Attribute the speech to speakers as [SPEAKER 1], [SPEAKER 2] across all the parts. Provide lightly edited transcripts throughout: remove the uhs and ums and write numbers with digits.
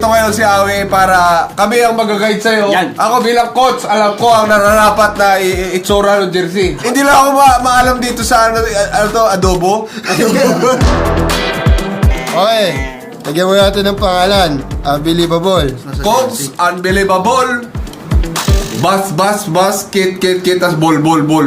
[SPEAKER 1] Nandito ngayon si Awi para kami ang mag-guide sa'yo.
[SPEAKER 2] Yan.
[SPEAKER 1] Ako bilang coach, alam ko ang nararapat na itsura ng jersey. Hindi lang ako maalam dito sa ano to, adobo.
[SPEAKER 3] Okay, lagyan mo natin ng pangalan. Unbelievable.
[SPEAKER 1] Coach, unbelievable. Bas, kit, tas bol.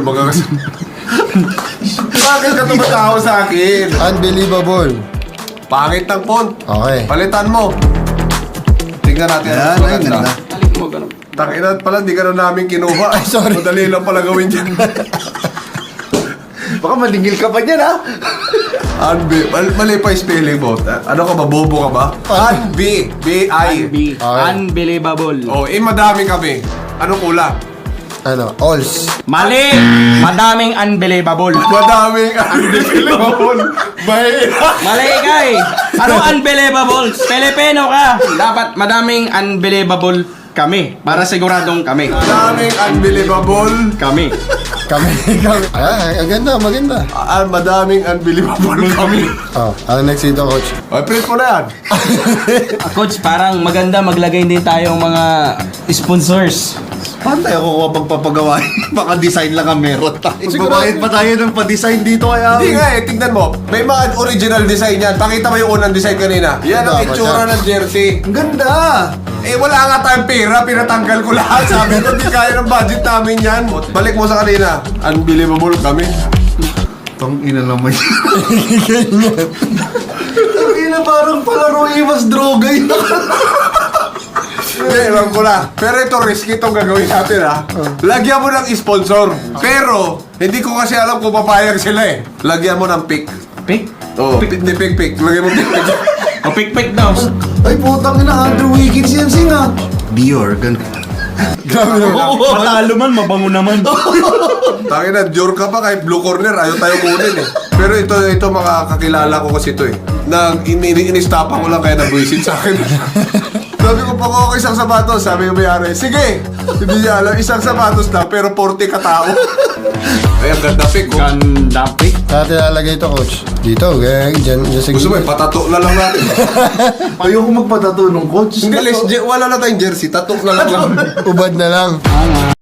[SPEAKER 1] Bakit ka tumatawa sa akin?
[SPEAKER 3] Unbelievable.
[SPEAKER 1] Pangit ng font.
[SPEAKER 3] Okay.
[SPEAKER 1] Palitan mo. Tingnan natin ang mas maganda. Takinan pala, di ka na namin kinuha. Ay,
[SPEAKER 3] sorry.
[SPEAKER 1] Madali lang pala gawin dyan.
[SPEAKER 4] Baka malingil ka pa dyan, ha?
[SPEAKER 1] Mali pa yung spelling mo. Ano ka ba? Bobo ka ba? B-I.
[SPEAKER 2] Unbelievable.
[SPEAKER 1] Oh, madami kami. Anong kulang?
[SPEAKER 3] Ano? Alls.
[SPEAKER 2] Mali! Madaming unbelievable.
[SPEAKER 1] Madaming unbelievable.
[SPEAKER 2] Mali ka eh. Ano unbelievable? Filipino ka. Dapat madaming unbelievable kami. Para siguradong kami.
[SPEAKER 1] Madaming unbelievable.
[SPEAKER 2] Kami.
[SPEAKER 3] Kami. Ang ganda, maganda.
[SPEAKER 1] Madaming unbelievable kami.
[SPEAKER 3] Oh, ano next dito, coach?
[SPEAKER 1] Ay, print mo na yan.
[SPEAKER 2] Coach, parang maganda maglagay din tayong mga sponsors.
[SPEAKER 4] Paano tayo kukuha pagpapagawain? Baka design lang ang meron tayo.
[SPEAKER 1] Siguro-
[SPEAKER 4] Magbabayad pa tayo ng pa-design dito kaya.
[SPEAKER 1] Hindi nga eh, tignan mo. May mga original design yan. Pakita mo yung unang design kanina. Yan ang
[SPEAKER 3] Dapat
[SPEAKER 1] itsura
[SPEAKER 3] yan.
[SPEAKER 1] ng jersey.
[SPEAKER 4] Ang ganda!
[SPEAKER 1] Eh, wala nga tayong pera. Pinatanggal ko lahat. Sabi ko, di kaya ng budget namin yan. Balik mo sa kanina. Unbelievable kami.
[SPEAKER 4] Tang ina naman yan. Tang ina parang palaro iwas droga yun.
[SPEAKER 1] Hindi, alam ko na. Pero ito, risky itong gagawin natin ha. Lagyan mo ng sponsor. Pero, hindi ko kasi alam kung papayag sila eh. Lagyan mo ng pick.
[SPEAKER 2] Pick?
[SPEAKER 1] Oh, hindi pick. Lagyan mo pick.
[SPEAKER 2] O pick daw.
[SPEAKER 4] Ay putang ina, Andrew Wiggins yan singa. Dior, ganun.
[SPEAKER 3] Grabe naman.
[SPEAKER 2] Matalo man, mabango naman.
[SPEAKER 1] Tangin na, Dior ka pa kahit blue corner. Ayaw tayo kunin eh. Pero ito mga kakilala ko kasi ito eh. Nang inistapan ko lang kaya nabwisit sa akin. Sabi ko, pag ako isang sapatos, sabi ko may-ari, sige! Hindi niya alam, isang sapatos lang, pero 40 katao. Ay, ang ganda pick, oh.
[SPEAKER 2] Ganda pick.
[SPEAKER 3] Saan nilalagay ito, coach? Dito, dyan sa
[SPEAKER 1] Gusto mo,
[SPEAKER 3] gilid.
[SPEAKER 1] patato na lang natin.
[SPEAKER 4] Ayoko magpatato nung coach.
[SPEAKER 1] Hindi, wala na tayong jersey, tato na lang.
[SPEAKER 3] Ubad na lang.